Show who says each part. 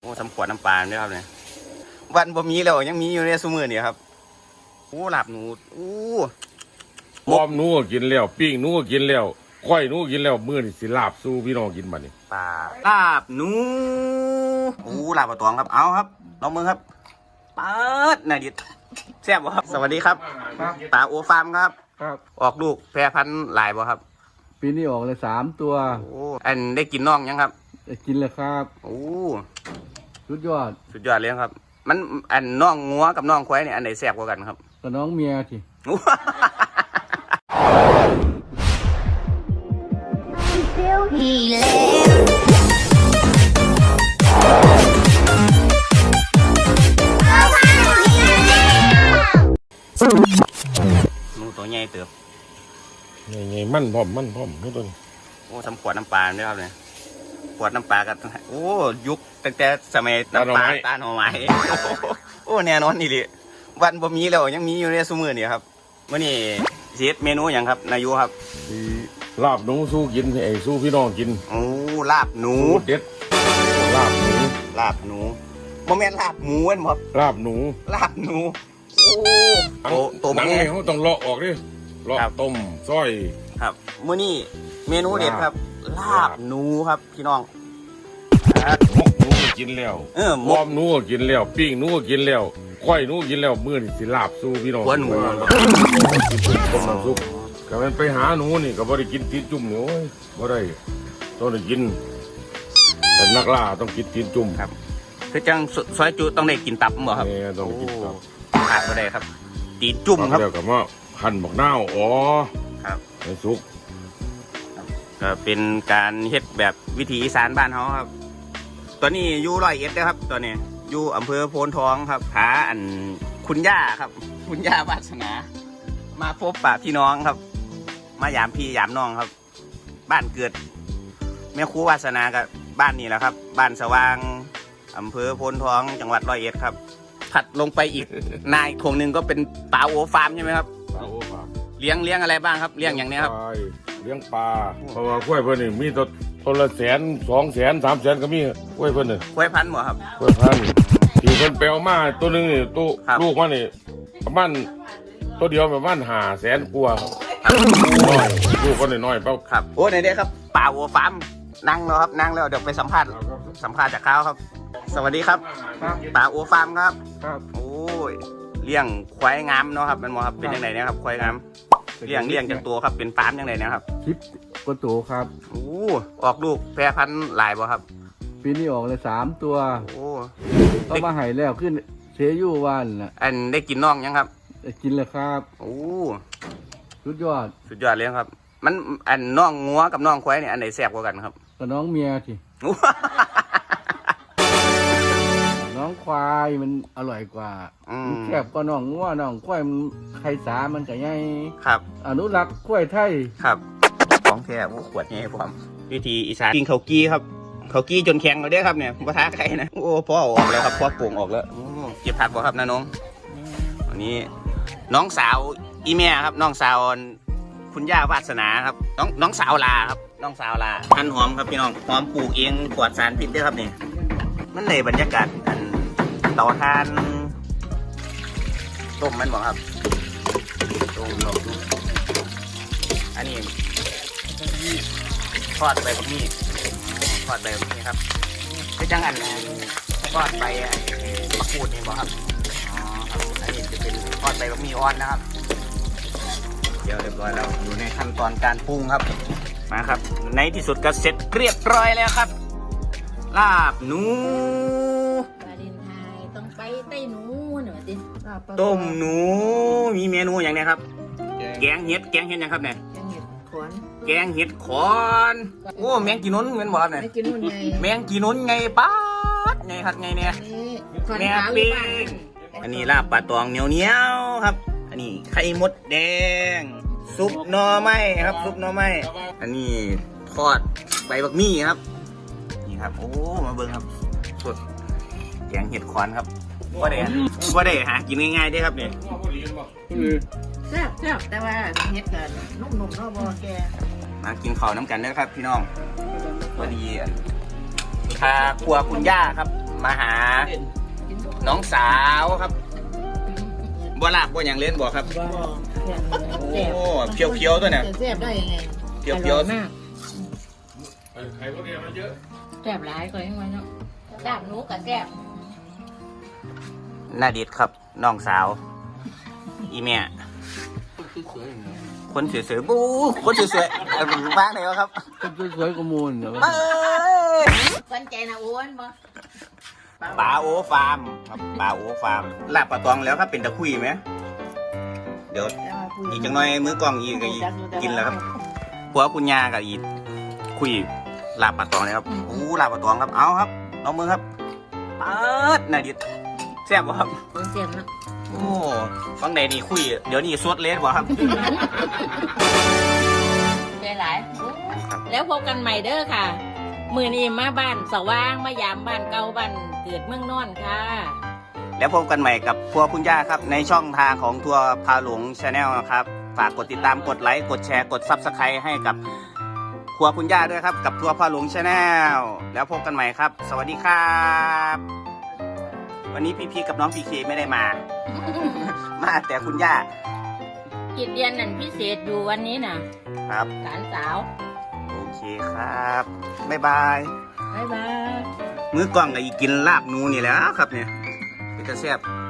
Speaker 1: โอ้ทำขวดน้ำปลาด้วยครับเนี่ยวันบ่มีแล้วยังมีอยู่ในซุมื้อนี่ครับโอ้ลาบหนูโอ้
Speaker 2: พร้อมหนูก็กินแล้วปิ้งหนูก็กินแล้วก้อยหนูก็กินแล้วมื้อนี่สิลาบสู้พี่น้องกินบัดนี้
Speaker 1: ปลาลาบหนูโอ้ลาบปลาตองครับเอาครับลองมือครับเปิดน่าดิแซ่บบ่ครับสวัสดีครับปลาโอฟาร์มครับ
Speaker 3: ครับ
Speaker 1: ออกลูกแพรพันธุ์หลายบ่ครับ
Speaker 3: ปีนี้ออกเลย3 ตัว
Speaker 1: โอ้อันได้กินน้องยังครับ
Speaker 3: ได้กินเลยครับ
Speaker 1: โอ้
Speaker 3: สุดยอด
Speaker 1: เลยครับ มันอันน้องงัวกับน้องควายเนี่ยอันไหนแซ่บกว่ากันครับ
Speaker 3: กับน้องเมียที
Speaker 1: หนูตัวใหญ่เติบ
Speaker 2: ไงมันพร้อมนู่นตัวนี้
Speaker 1: โอ้ทำขวดน้ำปลาด้วยครับเนี่ยขวดน้ำปลากันโอ้ยุคตั้งแต่สมัยน้ำปลาตาหน่อไม้โอ้แน่นอนนี่เลยวันบ่มีแล้วยังมีอยู่ในซุมื้อนี่ครับมื้อนี้สิเฮ็ดเมนูหยังครับนายุครับ
Speaker 2: ลาบหนูสู้กินไอ้สู้พี่น้องกิน
Speaker 1: โอ้ลาบหนู
Speaker 2: เด็ดลาบหนู
Speaker 1: บ่แม่นลาบหมูเว้นบ่
Speaker 2: ลาบหนู
Speaker 1: โอ้ตัวมัน
Speaker 2: เขาต้องเลาะออกดิเลาะต้มซอย
Speaker 1: ครับมื้อนี้เมนูเด็ดครับลาบหนูครับพี่น้อง
Speaker 2: หมกหนูก็กินแล้วพร้อมหนูก็กินแล้วปิ้งหนูก็กินแล้วก้อยหนูกินแล้วมื้อนี่สิลาบสู้พี่น้อง
Speaker 1: หัวหนู
Speaker 2: ต้มน้ำซุปก็มันไปหาหนูนี่ก็บ่ได้กินตีนจุ่มนี่โอ้ยบ่ได้ต้องได้กินแต่นักล่าต้องกินตีนจุ่ม
Speaker 1: ครับคือจังซอยจุต้องได้กินตับบ่ครับ
Speaker 2: ต้องได้กินตับ
Speaker 1: ขาดบ่ได้ครับตีนจุ่มครับ
Speaker 2: แล้วก็มาหั่นบักนาวอ๋อ
Speaker 1: ครับ
Speaker 2: ให้สุก
Speaker 1: ก็เป็นการเฮ็ดแบบวิถีอีสานบ้านเฮาครับตอนนี้อยู่101นะครับตอนนี้อยู่อำเภอโพนทองครับหาอันคุณย่าครับคุณย่าวาสนามาพบปะพี่น้องครับมายามพี่ยามน้องครับบ้านเกิดแม่ครูวาสนากับบ้านนี้แหละครับบ้านสว่างอำเภอโพนทองจังหวัด101ครับถัดลงไปอีกนายทงหนึ่งก็เป็นปลาโอฟาร์มใช่ไหมครับ
Speaker 2: ปลาโอฟาร์ม
Speaker 1: เลี้ยงอะไรบ้างครับเลี้ยงอย่างนี้ครับ
Speaker 2: เลี้ยงปลาเพราะว่ากล้วยเพิ่นนี่มีตัวละ100,000 200,000 300,000ก็มีกล้วยเพิ่นนี่
Speaker 1: กล้วยพันธุ์บ่ครับ
Speaker 2: กล้วยพันธุ์ที่เพิ่นไปเอามาตัวนึงนี่ตัวลูกมันนี่ประมาณตัวเดียวประมาณ500,000กว่าลูกก็น้อยๆเปล่า
Speaker 1: ครับโอ้ไหนเด้ครับปลาโอฟาร์มนั่งแล้วครับนั่งแล้วเดี๋ยวไปสัมภาษณ์จากเขาครับสวัสดีครับปลาโอฟาร์มครับโอ้ยเลี้ยงควายงามเนาะครับมันมอครับเป็นยังไงเนี่ยครับควายงามเลี้ยงจากตัวครับเป็นฟาร์มยังไงนะครับ
Speaker 3: 10 กว่าตัวครับ
Speaker 1: โอ้ออกลูกแพรพันธุ์หลายบ่ครับ
Speaker 3: ปีนี้ออกเลย3 ตัว
Speaker 1: โอ้
Speaker 3: ก็มาให้แล้วขึ้นเชยูวันน่ะ
Speaker 1: อันได้กินน้องยังครับ
Speaker 3: ได้กินเลยครับ
Speaker 1: โอ้
Speaker 3: สุดยอด
Speaker 1: เลยครับมันอันน้องงัวกับน้องควายเนี่ยอันไหนแซ่บกว่ากันครับ
Speaker 3: กับน้องเมียทีน้องควายมันอร่อยกว่าแซ่บก็น้องงัวน้องควายมันไข่สามันก็ใหญ่
Speaker 1: ครับ
Speaker 3: อนุรักษ์ควายไทย
Speaker 1: ครับของแท้ขวดใหญ่พร้อมวิธีอีสานกินข้าวกี้ครับข้าวกี้จนแข็งเลยเด้ครับเนี่ยปะทะใครนะโอ้พ่อออกแล้วครับพ่อป่งออกแล้วเก็บผักบ่ครับนะน้องวันนี้น้องสาวอีแม่ครับน้องสาวคุณย่าวาสนาครับน้องสาวลาครับน้องสาวลาหั่นหอมครับพี่น้องหอมปลูกเองปลอดสารพิษด้วยครับเนี่ยมันเลยบรรยากาศอันเตาถ่านต้มมันบอกครับต้มอันนี้ทอดใบบักมี่ครับคือจังอันทอดใบมะกรูดนี่บอกครับอ๋อครับอันนี้จะเป็นทอดใบบักมี่อ่อนนะครับเดี๋ยวเรียบร้อยแล้วอยู่ในขั้นตอนการปรุงครับมาครับในที่สุดก็เสร็จเรียบร้อยแล้วครับลาบหนู
Speaker 4: วาเลนไทน์ต้องไปไต้หนูหน่อยดิ
Speaker 1: ต้มหนูมีเมนูอย่างนี้ครับแกงเห็ดยังครับเนี่ยแกงเห็ดขอนโอ้แมงกีนุ้นเหมือนบอกเนี่ยแมงกีนุ้นไงป๊าดไงครับไงเนี่ยแมงปีงอันนี้ลาบปลาตองเหนียวครับอันนี้ไข่มดแดงซุปหน่อไม้ครับซุปหน่อไม้อันนี้ทอดใบบักมี่ครับนี่ครับโอ้มาเบิ่งครับสดแกงเห็ดขอนครับว่าได้หากินง่ายๆได้ครับเนี่ย
Speaker 4: แซ่บแต่ว่าเห็ดกันนุ่มๆเนาะบ่แก
Speaker 1: มากินข้าวน้ำกันนะครับพี่น้องพอดีพาครัวคุณย่าครับมาหาน้องสาวครับบัวลาบบัวอย่างเล่นบัวครับโอ้เพียวๆตัวเนี่ย
Speaker 4: แซ่บได้ยังไง
Speaker 1: เพียวๆ
Speaker 4: มาก
Speaker 2: ไข่พวกนี้มันเยอะ
Speaker 4: แซ่บหลายกว่ายังไงเนาะแซ่บหนูกับแซ่บ
Speaker 1: น่าดิดครับน้องสาวอีเมียคนสวยๆบู๊คนสวยๆบ้างไหนวะครับ
Speaker 3: คนสวยๆก็มูลเหรอ
Speaker 1: เอ้ย
Speaker 4: คนใจนะอ้วนบ่
Speaker 1: ปลาโอฟาร์มครับปลาโอฟาร์มลาบปลาตองแล้วครับเป็นตะคุยไหมเดี๋ยวอีกจังหน่อยมื้อกล้องอีกก็กินแล้วครับผัวคุณยากับอีคุยลาบปลาตองเลยครับโอ้ลาบปลาตองครับเอาครับน้องมือครับเปิดน่าดิดแซ่บบ่ครับ
Speaker 4: แซ่บนะ
Speaker 1: โอ้ฟังใดนี่คุยเดี๋ยวนี้สวดเลสบ่ครับ
Speaker 4: ใจหลายแล้วพบกันใหม่เด้อค่ะมื้อนี้มาบ้านสว่างมายามบ้านเก่าบ้านเกิดเมืองนอนค่ะ
Speaker 1: แล้วพบกันใหม่กับทัวร์คุณย่าครับในช่องทางของทัวร์พาหลวงชาแนลนะครับฝากกดติดตามกดไลค์กดแชร์กดซับสไครต์ให้กับทัวร์คุณย่าด้วยครับกับทัวร์พาหลวงชาแนลแล้วพบกันใหม่ครับ สวัสดีครับวันนี้พี่ๆกับน้องพีเคไม่ได้มา มาแต่คุณย่า
Speaker 4: กิจเรียนนั่นพิเศษอยู่วันนี้นะครับ หลานสาว
Speaker 1: โอเคครับบ๊ายบาย
Speaker 4: บ๊ายบาย
Speaker 1: มื้อกล้องก็อีกกินลาบหนูนี่แหล้วครับเนี่ยเป็นกระแซบ